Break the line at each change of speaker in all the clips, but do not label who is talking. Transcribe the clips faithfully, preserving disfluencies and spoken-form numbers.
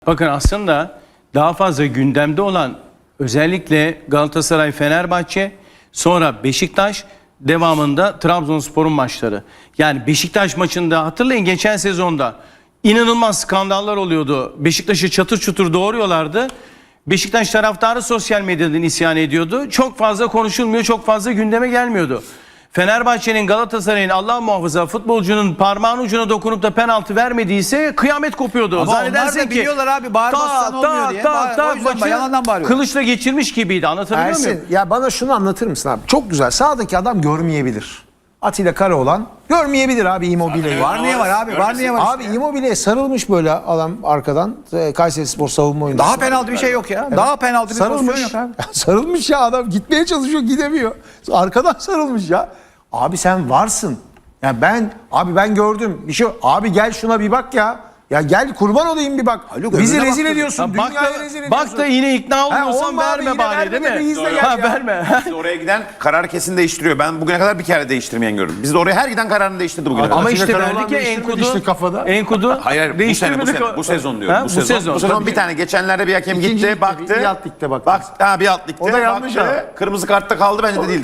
Bakın aslında daha fazla gündemde olan özellikle Galatasaray, Fenerbahçe, sonra Beşiktaş, devamında Trabzonspor'un maçları. Yani Beşiktaş maçında hatırlayın, geçen sezonda inanılmaz skandallar oluyordu. Beşiktaş'ı çatır çutur doğuruyorlardı. Beşiktaş taraftarı sosyal medyadan isyan ediyordu. Çok fazla konuşulmuyor, çok fazla gündeme gelmiyordu. Fenerbahçe'nin, Galatasaray'ın Allah muhafaza futbolcunun parmağın ucuna dokunup da penaltı vermediyse kıyamet kopuyordu.
Ama onlar da biliyorlar abi, bağırmazsan olmuyor diye.
Ta, ta,
O yüzden
maçı
yalandan bağırıyor.
kılıçla geçirmiş gibiydi, anlatabiliyor
Ersin,
muyum?
ya bana şunu anlatır mısın abi? Çok güzel. Sağdaki adam görmeyebilir. Atilla Karaoğlan görmeyebilir abi Immobile'yi.
Var niye var abi? Var niye var?
Abi Immobile'ye sarılmış böyle adam arkadan. Kayserispor savunma oyuncusu.
Daha penaltı bir şey yok ya. Daha penaltı bir pozisyon
sarılmış.
yok abi.
Sarılmış ya adam, gitmeye çalışıyor, gidemiyor. Arkadan sarılmış ya. Abi sen varsın. Ya ben abi ben gördüm. Bir şey abi, gel şuna bir bak ya. Ya gel kurban olayım bir bak.
Haluk,
bizi
öbürüne
rezil
bak.
ediyorsun.
Ha, bak,
Dünyayı
da,
rezil ediyorsun.
bak da yine ikna olmuyorsan
olma abi,
verme
yine
bari,
verme
değil
de
mi?
bir izle gel
Ha,
ya.
verme.
Biz oraya giden karar kesin değiştiriyor. Ben bugüne kadar bir kere değiştirmeyen gördüm. Biz de oraya her giden kararını değiştirdi bugüne kadar.
Ama
Atilla
işte
Karaoğlan
verdik ya
değiştirmedi
Enkudu.
işte kafada.
Enkudu
Hayır hayır, bu sene, bu,
değiştirmedik.
sene, bu sezon diyorum.
Ha,
bu, sezon. Bu sezon
Tabii.
bir tane geçenlerde bir hakem
İkinci
gitti,
ligde,
baktı.
bir alt ligde baktı.
Bak, ha, bir alt ligde
O da yanlış
baktı.
ha.
Kırmızı kartta kaldı, bence de değildi.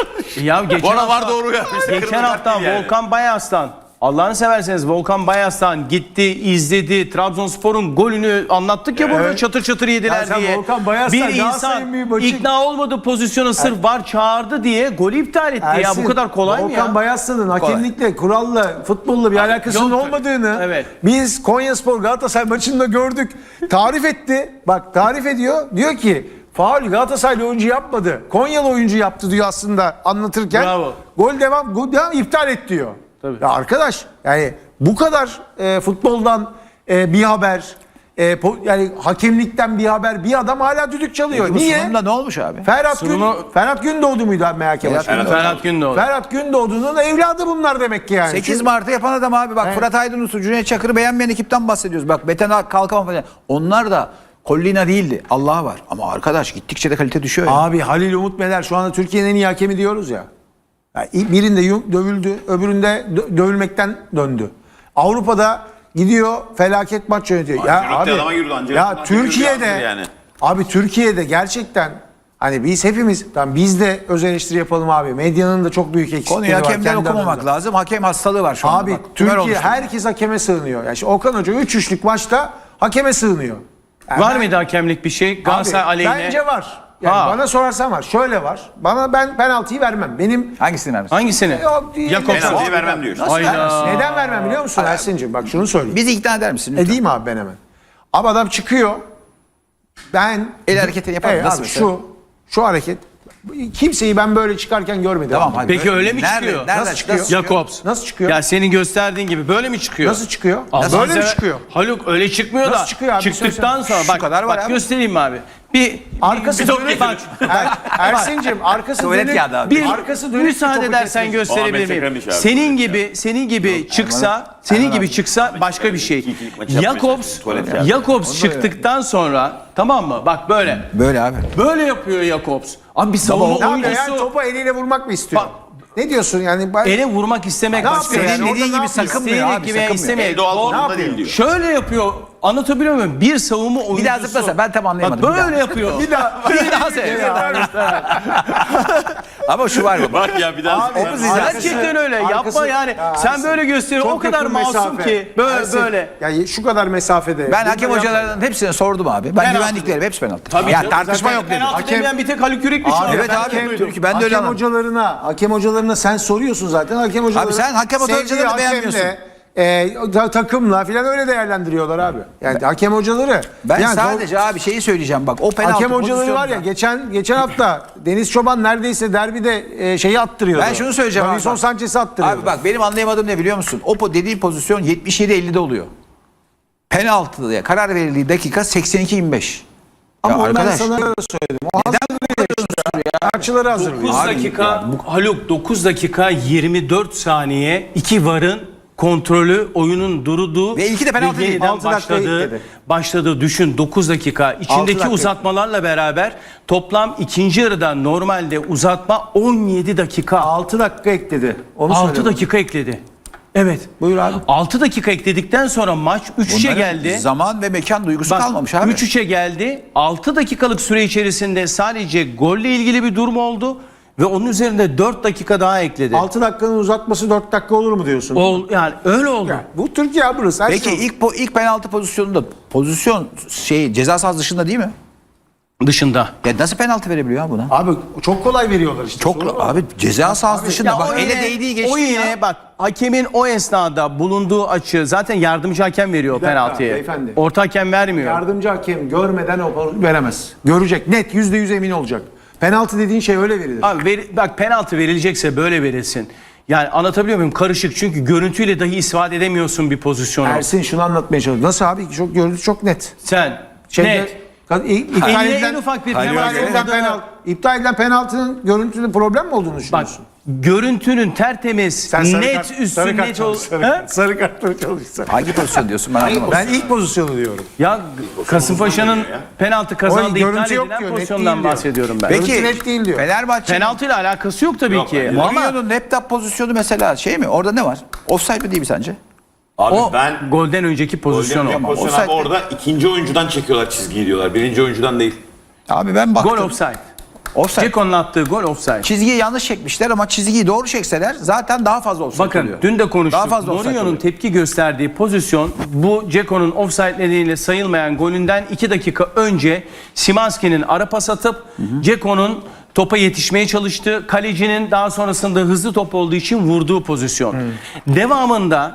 Ya geçen
Bana
hafta,
var doğru ya.
geçen hafta Volkan Bayaslan, Allah'ını severseniz Volkan Bayaslan gitti, izledi. Trabzonspor'un golünü anlattık ya burada,
Evet.
çatır çatır yediler
Ya sen
diye.
Volkan Bayaslan,
Bir insan
Galatasaray'ın bir maçı-
ikna olmadı pozisyona, sırf var çağırdı diye golü iptal etti. Ya bu kadar kolay mı
Volkan
ya?
Bayaslan'ın hakemlikle, kuralla, futbolla bir alakasının
yok.
olmadığını
Evet.
biz Konyaspor Galatasaray maçında gördük. Tarif etti. Bak tarif ediyor. Diyor ki faul Galatasaraylı oyuncu yapmadı. Konyalı oyuncu yaptı diyor aslında anlatırken.
Bravo.
Gol devam, gol devam, iptal et diyor.
Tabii.
Ya arkadaş, yani bu kadar e, futboldan e, bir haber, e, po- yani hakemlikten bir haber, bir adam hala düdük çalıyor.
Bu
Niye?
sunumda ne olmuş abi?
Ferhat, Gün,
Sunumu-
Ferhat Gündoğdu muydu abi M H K
Ferhat
başkanı?
Gündoğdu.
Ferhat Gündoğdu.
Ferhat Gündoğdu'nun evladı bunlar demek ki yani.
sekiz
Çünkü-
Mart'ı yapan adam abi. Bak, Fırat Aydınus'u, Cüneyt Çakır'ı beğenmeyen ekipten bahsediyoruz. Bak, Beten Kalkan falan. Onlar da Collina değildi. Allah var. Ama arkadaş gittikçe de kalite düşüyor ya.
Abi Halil Umut Meler şu anda Türkiye'nin en iyi hakemi diyoruz ya. Yani birinde yum- dövüldü, öbüründe dö- dövülmekten döndü. Avrupa'da gidiyor, felaket maç yönetiyor. Ya
Ancelotti
abi,
adama yürüdü, Ancelotti
ya
adama
Türkiye'de
yürüdü yani.
abi Türkiye'de gerçekten hani biz hepimiz, tamam biz de öz eleştiri yapalım abi. Medyanın da çok büyük eksikleri
Konuyu
var.
hakemden
kendi
okumamak
alanında.
lazım. Hakem hastalığı var şu anda.
Abi
Bak, tümör
Türkiye
olmuş.
herkes hakeme sığınıyor. Yani şimdi Okan Hoca üç üçlük maçta hakeme sığınıyor. Yani
Var
ben-
mıydı hakemlik bir şey?
Abi,
Galatasaray aleyhine.
bence var. Yani
Ha.
bana sorarsan var. Şöyle var. Bana ben penaltıyı vermem. Benim
Hangisini vermiş?
Hangisini?
Yok, değil.
Jakobsen.
Penaltıyı vermem diyor.
Nasıl
Hayda.
vermişsin?
neden vermem biliyor musun Ersin'cim? Bak şunu söyleyeyim.
Bizi ikna eder misin? lütfen?
Edeyim abi ben hemen. Abi adam çıkıyor. Ben
El hareketi yapar mı?
Evet,
Nasıl
abi,
mesela?
şu şu hareket kimseyi ben böyle çıkarken görmedim.
Tamam,
abi.
hadi.
Peki öyle mi
Nerede-
çıkıyor?
nereden
Nasıl çıkıyor?
çıkıyor?
Jakobs.
Nasıl çıkıyor?
Ya senin gösterdiğin gibi böyle mi çıkıyor?
Nasıl çıkıyor?
Nasıl
Böyle mi
mesela-
çıkıyor?
Haluk öyle çıkmıyor da.
Nasıl çıkıyor abi?
Çıktıktan
Söylesene.
sonra
Şu
bak,
kadar var
bak
abi.
göstereyim mi abi? Bir
Arkası
bir
dönük.
bak.
Er, Ersin'cim arkası
Tuvalet
dönük.
kağıdı abi.
Bir
arkası dönük.
müsaade
topu
edersen
kesmiş.
gösterebilir
Ahmet
miyim?
Çekrem'miş abi.
Senin gibi senin gibi çıksa, senin gibi çıksa başka bir şey.
ikilik maçı yapmaya
Jakobs
çalışıyor. Tuvalet kağıdı.
Jakobs çıktıktan sonra, tamam mı? Bak böyle.
Böyle abi.
Böyle yapıyor Jakobs. Abi bir
Ne
savunma
yapıyor
oyuncusu
yani, topu eliyle vurmak mı istiyor?
Bak-
Ne diyorsun yani? Ben-
ele vurmak istemek
Ne
başka.
yapıyor yani?
Senin
Orada
dediğin
ne
gibi
yapıyor?
sakınmıyor
İstediği
abi.
gibi
Veya
sakınmıyor.
istemeye.
El doğal
Doğru.
durumunda değil diyor.
Şöyle yapıyor. Anlatabiliyor muyum? Bir savunma oyuncusu.
Bir daha zıplasa, ben tam anlayamadım.
Bak
Bir daha.
böyle yapıyor.
Bir daha.
Bir daha seyret. Ama şu var mı?
Bak ya bir daha.
Abi,
Abi,
Gerçekten öyle.
Arkası-
Yapma yani.
Ya,
Sen
Ersin,
böyle gösteriyorsun. O
çok
kadar
yakın
masum
mesafe.
ki. Böyle
Ersin,
böyle.
Yani şu kadar mesafede.
Ben hakem
Bunu
hocalarının hepsine sordum abi. Ben
Penaltı.
güvendiklerim hepsi penaltı.
Tabii
ya
canım,
tartışma
zaten
yok dedim.
penaltı
Hakem-
demeyen bir tek Haluk Yürekli şu an.
Evet
Ben
abi,
hakem-
Türkiye, ben de öyle
hakem
anladım.
hocalarına, hakem hocalarına sen soruyorsun zaten. Hakem hocaları.
Abi sen hakem
sevdiği
hocalarını beğenmiyorsun.
hakemle, E, ta- takımla filan öyle değerlendiriyorlar abi. Yani hakem hocaları.
Ben
yani
sadece abi şeyi söyleyeceğim bak. O penaltı
hakem hocaları var ya,
pozisyonunda-
geçen geçen hafta Deniz Çoban neredeyse derbide e, şeyi attırıyordu.
Ben şunu söyleyeceğim abi.
Davinson
bak.
Sanchez'i attırıyordu.
Abi bak, benim anlayamadığım ne biliyor musun? O po- dediği pozisyon yetmiş yedi ellide oluyor. Penaltıya karar verildiği dakika seksen iki yirmi beş.
Ama
Ya
onu ben
arkadaş,
sana öyle söyledim. O hazırlıyor. Maçları hazırlıyor.
dokuz dakika Haluk dokuz dakika yirmi dört saniye iki varın kontrolü, oyunun durduğu
Ve ilki de penaltı değil.
yeniden
altı dakika
başladığı,
ekledi.
başladığı düşün dokuz dakika. İçindeki
dakika.
uzatmalarla beraber toplam ikinci yarıda normalde uzatma on yedi dakika.
altı dakika ekledi. Onu
altı
söylüyorum.
dakika ekledi. Evet.
Buyur abi.
altı dakika ekledikten sonra maç üç üçe
Bunların
geldi.
Zaman ve mekan duygusu
Bak,
kalmamış abi.
üç üçe geldi. altı dakikalık süre içerisinde sadece golle ilgili bir durum oldu ve onun üzerinde dört dakika daha ekledi.
altı dakikanın uzatması dört dakika olur mu diyorsun?
Ol, yani öyle oldu.
Yani bu Türkiye abi burası. Her
Peki
şey olur.
ilk po- ilk penaltı pozisyonunda pozisyon şey ceza sahası dışında değil mi?
Dışında.
Ya nasıl penaltı verebiliyor ya buna?
Abi çok kolay veriyorlar işte.
Çok
Sorun o.
abi ceza sahası dışında
Ya
bak
o
ele
yine-
değdiği geçti
O yine
ya.
bak hakemin o esnada bulunduğu açı zaten yardımcı hakem veriyor
dakika,
penaltıyı.
beyefendi.
Orta hakem vermiyor.
Yardımcı hakem görmeden o pozisyonu veremez. Görecek. Net yüzde yüz emin olacak. Penaltı dediğin şey öyle verilir.
Abi ver- bak penaltı verilecekse böyle verilsin. Yani anlatabiliyor muyum? Karışık çünkü görüntüyle dahi ispat edemiyorsun bir pozisyonu.
Ersin şunu anlatmaya çalışıyor. Nasıl abi? Çok görüntü çok net.
Sen
Şeyde,
net.
Ka- i- İptal
Eline
edilen,
en ufak bir
iptal
temas
edilen,
olduğunda-
penaltı, iptal edilen penaltının görüntüde problem mi olduğunu
Bak
düşünüyorsun?
görüntünün tertemiz, net üstün net ol. He?
sarı kartları çalışsan.
Hangi pozisyon diyorsun ben anlamadım.
Ben ilk pozisyonu diyorum.
Ya Kasımpaşa'nın penaltı kazandığı
görüntü
iptal
yok
edilen
diyor, net
pozisyondan
değil diyor.
bahsediyorum ben.
Peki
Görüntü net değil diyor.
Fenerbahçe
Penaltıyla alakası yok tabii ki. Ama
Mourinho'nun laptop pozisyonu mesela şey mi? Orada ne var? Offside mi değil mi sence?
Abi
o
ben
golden önceki pozisyon o.
Golden pozisyon
offside
abi orada ikinci oyuncudan çekiyorlar çizgiyi diyorlar. Birinci oyuncudan değil.
Abi ben baktım.
Gol offside.
Offside.
Ceko'nun attığı gol offside.
Çizgiyi yanlış çekmişler ama çizgiyi doğru çekseler zaten daha fazla offside
Bakın
oluyor.
dün de konuştuk.
Daha fazla offside
Mourinho'nun
oluyor.
tepki gösterdiği pozisyon bu Ceko'nun offside nedeniyle sayılmayan golünden iki dakika önce Szymański'nin ara pas atıp Ceko'nun topa yetişmeye çalıştığı, kalecinin daha sonrasında hızlı top olduğu için vurduğu pozisyon. Devamında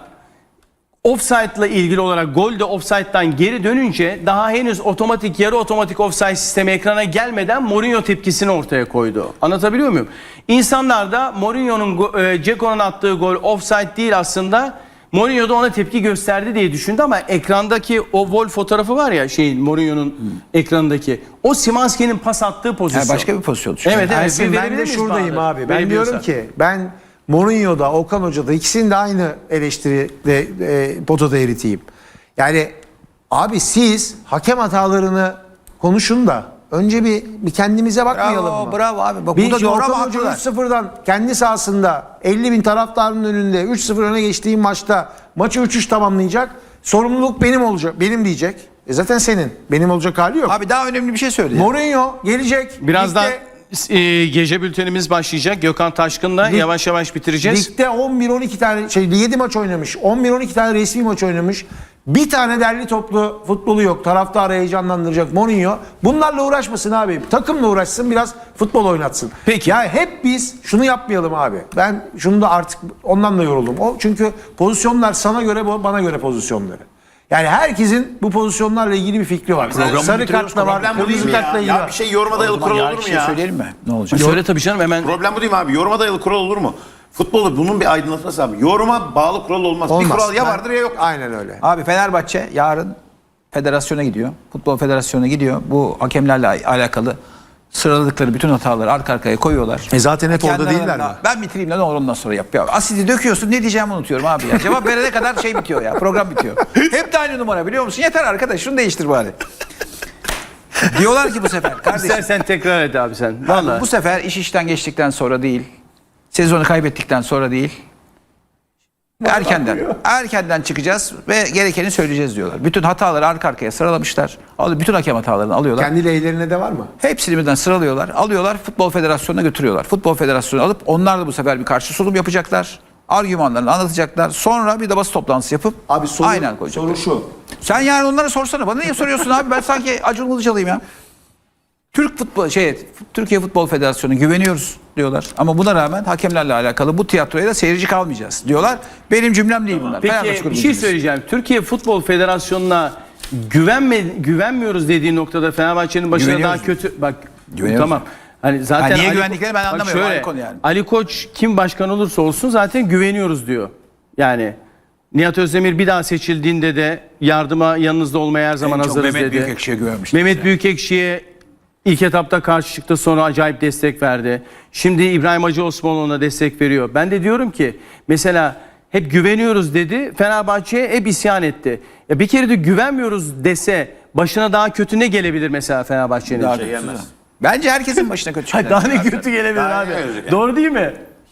offside'la ilgili olarak gol de offside'dan geri dönünce daha henüz otomatik yarı otomatik offside sistemi ekrana gelmeden Mourinho tepkisini ortaya koydu. Anlatabiliyor muyum? İnsanlar da Mourinho'nun go- e, Ceko'nun attığı gol offside değil aslında. Mourinho da ona tepki gösterdi diye düşündü ama ekrandaki o gol fotoğrafı var ya şeyin Mourinho'nun ekranındaki o Szymański'nin pas attığı pozisyon.
Yani başka bir pozisyon düşün.
Evet evet.
Ersin
bir
ben
verebilir
de
miyiz
şuradayım
Bahadır?
abi. Ben
Verebiliyorsan.
diyorum ki ben Mourinho'da, Okan Hoca'da ikisini de aynı eleştiride e, potada eriteyim. Yani abi siz hakem hatalarını konuşun da önce bir, bir kendimize bakmayalım
Bravo,
mı?
bravo abi. Bak
Bir
burada
işte
doğru
Okan
ama
Hoca
haklılar.
üç sıfırdan kendi sahasında elli bin taraftarın önünde üç sıfır öne geçtiğim maçta maçı üç üç tamamlayacak. Sorumluluk benim olacak. Benim diyecek. E zaten senin. Benim olacak hali yok.
Abi daha önemli bir şey söyle.
Mourinho gelecek.
Birazdan
ligde-
e, gece bültenimiz başlayacak. Gökhan Taşkın'la
Lig-
yavaş yavaş bitireceğiz.
Ligde on bir on iki tane şey yedi maç oynamış. on bir on iki tane resmi maç oynamış. Bir tane derli toplu futbolu yok. Taraftarı heyecanlandıracak Mourinho. Bunlarla uğraşmasın abi. Takımla uğraşsın, biraz futbol oynatsın.
Peki.
Ya hep biz şunu yapmayalım abi. Ben şunu da artık ondan da yoruldum. O çünkü pozisyonlar sana göre bana göre pozisyonları. Yani herkesin bu pozisyonlarla ilgili bir fikri var. Sarı kartla var,
Problem bu değil
kırmızı
mi ya?
kartla ilgili
Ya
var.
bir şey yoruma dayalı kural
Ya
olur
bir
mu
şey
ya?
söyleyelim mi? Ne olacak?
Söyle tabii canım hemen.
Problem bu değil mi abi? Yoruma dayalı kural olur mu? Futbolda bunun bir aydınlatması abi. Yoruma bağlı kural olmaz.
Olmaz.
Bir kural ya
Ben-
vardır ya yok.
Aynen öyle.
Abi Fenerbahçe yarın federasyona gidiyor. Futbol federasyonuna gidiyor. Bu hakemlerle al- alakalı sıraladıkları bütün hataları arka arkaya koyuyorlar.
E zaten hep orada
Kendi
değiller
aralarında,
mi?
Ben bitireyim lan ondan sonra yap. Ya, asidi döküyorsun ne diyeceğimi unutuyorum abi ya. Cevap verene kadar şey bitiyor ya. Program bitiyor. Hep de aynı numara biliyor musun? Yeter arkadaş şunu değiştir bari. Diyorlar ki bu sefer kardeşim.
İstersen tekrar et abi sen.
Abi
Vallahi.
bu sefer iş işten geçtikten sonra değil. Sezonu kaybettikten sonra değil. Erkenden. Erkenden çıkacağız ve gerekeni söyleyeceğiz diyorlar. Bütün hataları arka arkaya sıralamışlar. Al- Bütün hakem hatalarını alıyorlar.
Kendi lehlerine de var mı?
Hepsini birden sıralıyorlar. Alıyorlar Futbol Federasyonu'na götürüyorlar. Futbol Federasyonu alıp onlar da bu sefer bir karşı sunum yapacaklar. Argümanlarını anlatacaklar. Sonra bir de basın toplantısı yapıp
Abi soru,
aynen koyacaklar.
soru şu.
Sen yani onlara sorsana. Bana niye soruyorsun abi? Ben sanki Acun Ilıcalı'yım ya. Türk futbol şey Türkiye Futbol Federasyonu güveniyoruz diyorlar. Ama buna rağmen hakemlerle alakalı bu tiyatroya da seyirci kalmayacağız diyorlar. Benim cümlem değil bunlar. Fenerbahçe
Peki bir
grubun
şey
cümlesi.
söyleyeceğim. Türkiye Futbol Federasyonu'na güvenme güvenmiyoruz dediği noktada Fenerbahçe'nin başına
Güveniyoruz.
daha kötü bak
Güveniyoruz.
tamam. Hani zaten
Ha, niye
Ali-
güvendiklerini ben
Bak
anlamıyorum,
şöyle,
ayrı konu yani.
Ali Koç kim başkan olursa olsun zaten güveniyoruz diyor. Yani Nihat Özdemir bir daha seçildiğinde de yardıma yanınızda olmaya her zaman
En çok
hazırız
Mehmet
dedi.
Büyükekşi'ye güvenmiştim.
Mehmet Büyükekşi'ye ilk etapta karşı çıktı, sonra acayip destek verdi. Şimdi İbrahim Hacı Osmanoğlu'na destek veriyor. Ben de diyorum ki mesela hep güveniyoruz dedi. Fenerbahçe'ye hep isyan etti. Ya bir kere de güvenmiyoruz dese başına daha kötü ne gelebilir mesela Fenerbahçe'nin?
Daha
Şey
kötüsü
yemez.
da. Bence herkesin başına kötü
Hayır,
şeyler.
daha ne kötü gelebilir
Daha
abi?
ne gelecek yani?
Doğru değil mi?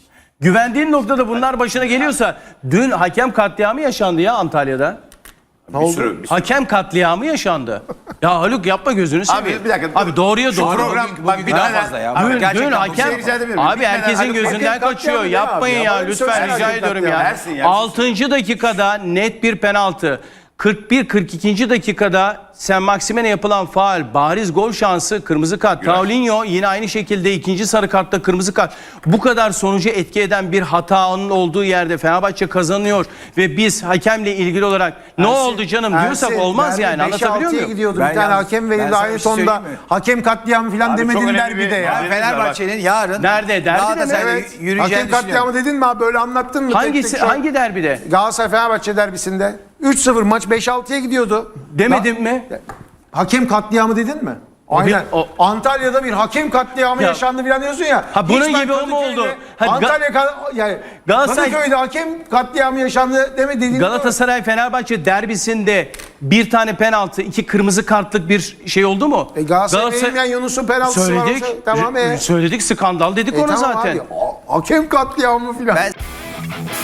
Güvendiğin noktada bunlar başına geliyorsa dün hakem katliamı yaşandı ya Antalya'da.
Bir sürü, bir sürü.
Hakem katliamı yaşandı. Ya Haluk yapma gözünü seveyim.
bir dakika, dur.
Abi doğruya
Şu
doğru.
program
bugün-
bak
bugün
bir
daha
daha
fazla ya.
Abi,
Dün,
gerçekten
dün
bu
hakem
şeyi rica edebilir miyim?
abi
Bitmeden
herkesin
Haluk-
gözünden
Hakem
kaçıyor.
katliamı ne
Yapmayın
abi
ya,
ya? Bana
lütfen
söylesene
rica
hakem
ediyorum ya.
katliamı.
Ersin ya.
altıncı dakikada net bir penaltı. kırk bir kırk ikinci dakikada Sen Maximen'e yapılan faul, bariz gol şansı, kırmızı kart. Paulinho yine aynı şekilde ikinci sarı kartta kırmızı kart. Bu kadar sonucu etki eden bir hatanın olduğu yerde Fenerbahçe kazanıyor ve biz hakemle ilgili olarak ne oldu canım diyorsak
Ersin,
olmaz
derbi
yani,
beşe
anlatabiliyor
altıya
muyum?
gidiyordu.
Ben
Bir tane
yalnız-
hakem
ben
verildi
sana
aynı
bir şey
tonda.
söyleyeyim mi?
Hakem katliamı falan
Abi çok
demedin
önemli
derbide
bir-
ya.
Abi,
Fenerbahçe'nin yarın
Nerede? Derbide mi?
Galatasaray'la
Evet.
yürüyeceğini
Hakem katliamı
düşünüyorum.
dedin mi abi? Böyle anlattın mı?
Hangisi,
Tek tek şu an?
hangi derbide?
Galatasaray Fenerbahçe derbisinde üç sıfır maç beş altıya gidiyordu.
Demedim
Da-
mi?
Hakem katliamı dedin mi?
O bir-
Aynen.
o-
Antalya'da bir hakem katliamı
Ya-
yaşandı falan diyorsun ya.
Ha, bunun
Hiç ben
gibi o mu
Kadıköy'de,
oldu? Ha, Ga-
Antalya ka- yani
Galatasaray-
Kadıköy'de hakem katliamı yaşandı deme dedin.
Galatasaray Fenerbahçe derbisinde bir tane penaltı, iki kırmızı kartlık bir şey oldu mu?
E Galatasaray verilmeyen Yunus'un penaltısı
söyledik.
var. Tamam e.
Söyledik, skandal dedik
E
ona
tamam
zaten.
abi. Ha- Hakem katliamı filan.
Ben